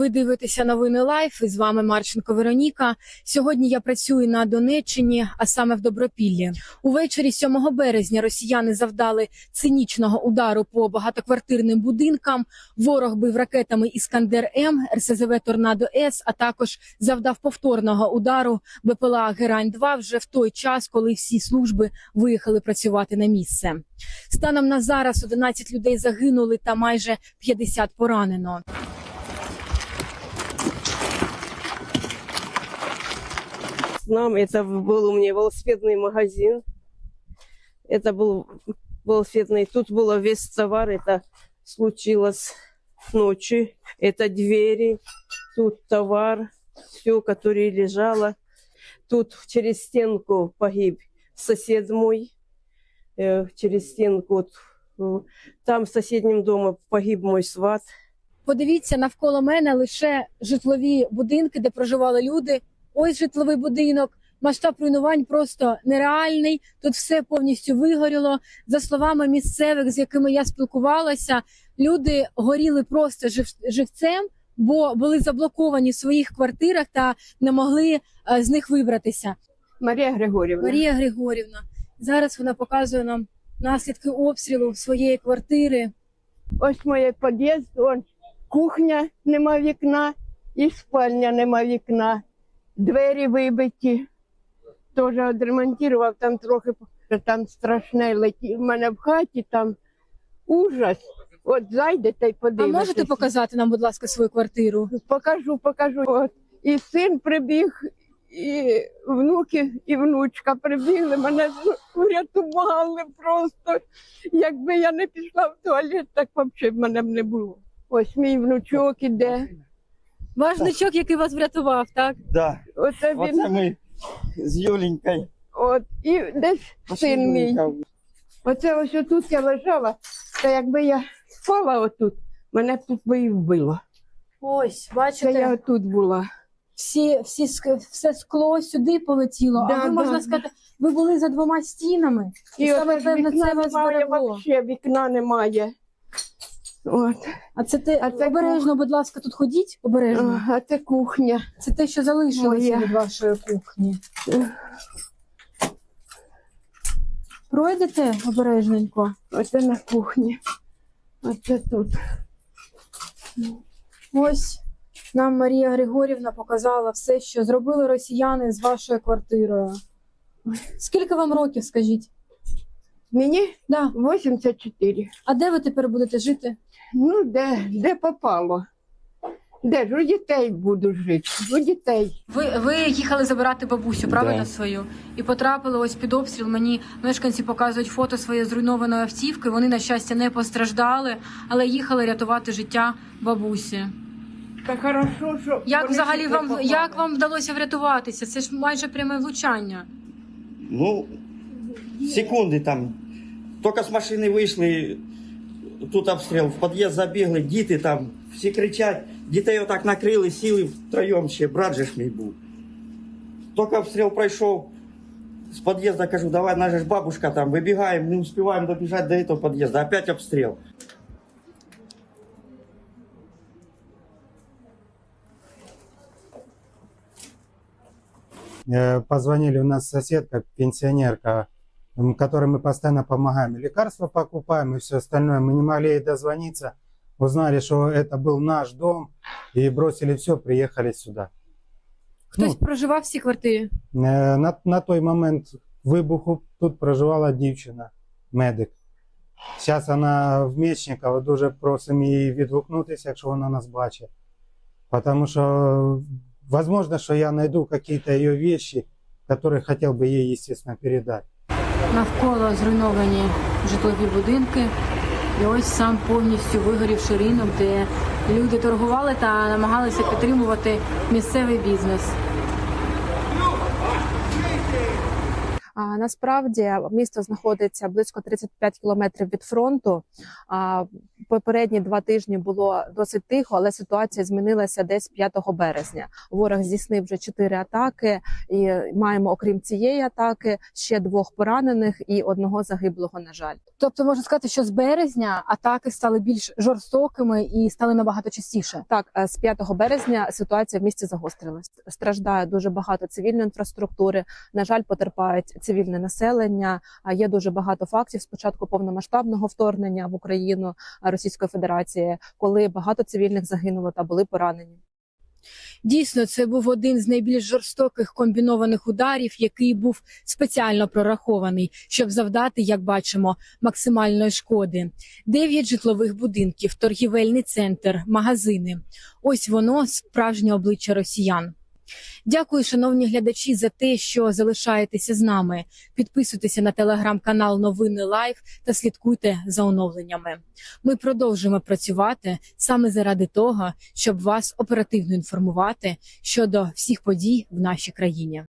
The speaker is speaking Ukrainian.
Ви дивитеся новини Лайф, і з вами Марченко Вероніка. Сьогодні я працюю на Донеччині, а саме в Добропіллі. Увечері 7 березня росіяни завдали цинічного удару по багатоквартирним будинкам. Ворог бив ракетами «Іскандер-М», РСЗВ «Торнадо-С», а також завдав повторного удару БПЛА «Герань-2» вже в той час, коли всі служби виїхали працювати на місце. Станом на зараз 11 людей загинули та майже 50 поранено. Нам это был у меня велосипедный магазин. Это был велосипедный. Тут было весь товар. Это случилось ночью. Это двери. Тут товар. Все, которое лежало. Тут через стенку погиб сосед мой. Через стенку. Там в соседнем доме погиб мой сват. Подивіться, навколо мене лише житлові будинки, де проживали люди. Ось житловий будинок. Масштаб руйнувань просто нереальний. Тут все повністю вигоріло. За словами місцевих, з якими я спілкувалася, люди горіли просто живцем, бо були заблоковані в своїх квартирах та не могли з них вибратися. Марія Григорівна. Марія Григорівна. Зараз вона показує нам наслідки обстрілу своєї квартири. Ось моє під'їзд, ось кухня, нема вікна, і спальня нема вікна. Двері вибиті. Теж відремонтував, там трохи, там страшне летіло. У мене в хаті там ужас. От зайдете і А подивитесь. можете показати нам, будь ласка, свою квартиру? Покажу. От. І син прибіг, і внуки, і внучка прибігли, мене врятували просто. Якби я не пішла в туалет, так взагалі мене б не було. Ось мій внучок іде. Ваш внучок, який вас врятував, так? Да, Оце він. оце ми з Юленькою. От, і десь син мій. Оце ось отут я лежала, та якби я спала отут, мене б тут би і вбило. Ось, Це бачите, я отут була. все скло сюди полетіло, Да, а ви, да, можна да. сказати, ви були за 2 стінами, і І саме, оце певно, вікна це вас немає, зберегло. взагалі вікна немає. От. А це А це обережно, будь ласка, тут ходіть, обережно. А це кухня. Це те, що залишилося Моя. від вашої кухні. Пройдете обережненько. Оце на кухні. Оце тут. Ось нам Марія Григорівна показала все, що зробили росіяни з вашою квартирою. Скільки вам років, скажіть? Мені Да. 84. А де ви тепер будете жити? Ну, де попало. Де ж у дітей буду жити? У дітей. Ви їхали забирати бабусю, правильно, Да. свою? І потрапили ось під обстріл. Мені мешканці показують фото своєї зруйнованої автівки. Вони, на щастя, не постраждали, але їхали рятувати життя бабусі. Та хорошо, що Як вони взагалі сюди вам, попали. як вам вдалося врятуватися? Це ж майже пряме влучання. Ну, секунди там. Тільки з машини вийшли, тут обстріл, в під'їзд забігли, діти там, всі кричать. Дітей отак накрили, сіли втроєм ще, брат же ж мій був. Тільки обстріл пройшов, з під'їзду кажу, давай, наша ж бабушка там, вибігаємо, не успіваємо добіжати до цього під'їзду, опять обстріл. Позвонили, у нас соседка, пенсионерка, которой мы постоянно помогаем. Лекарства покупаем и все остальное. Мы не могли ей дозвониться. Узнали, что это был наш дом. И бросили все, приехали сюда. Хтось проживав в цій квартирі? На той момент вибуху тут проживала дівчина, медик. Зараз вона в Мечникова, дуже просимо її відгукнутися, якщо вона нас бачить. Тому що, возможно, що я знайду какие-то ее вещи, которые хотел бы ей, естественно, передать. Навколо зруйновані житлові будинки. І ось сам повністю вигорівший ринок, де люди торгували та намагалися підтримувати місцевий бізнес. Насправді місто знаходиться близько 35 кілометрів від фронту. попередні 2 тижні було досить тихо, але ситуація змінилася десь 5 березня. Ворог здійснив вже 4 атаки, і маємо, окрім цієї атаки, ще 2 поранених і 1 загиблого, на жаль. Тобто можна сказати, що з березня атаки стали більш жорстокими і стали набагато частіше. Так, з 5 березня ситуація в місті загострилась. Страждає дуже багато цивільної інфраструктури. На жаль, потерпають цивільне населення. Є дуже багато фактів з початку повномасштабного вторгнення в Україну Російської Федерації, коли багато цивільних загинуло та були поранені. Дійсно, це був один з найбільш жорстоких комбінованих ударів, який був спеціально прорахований, щоб завдати, як бачимо, максимальної шкоди. 9 житлових будинків, торгівельний центр, магазини. Ось воно, справжнє обличчя росіян. Дякую, шановні глядачі, за те, що залишаєтеся з нами. Підписуйтеся на телеграм-канал Новини Лайв та слідкуйте за оновленнями. Ми продовжуємо працювати саме заради того, щоб вас оперативно інформувати щодо всіх подій в нашій країні.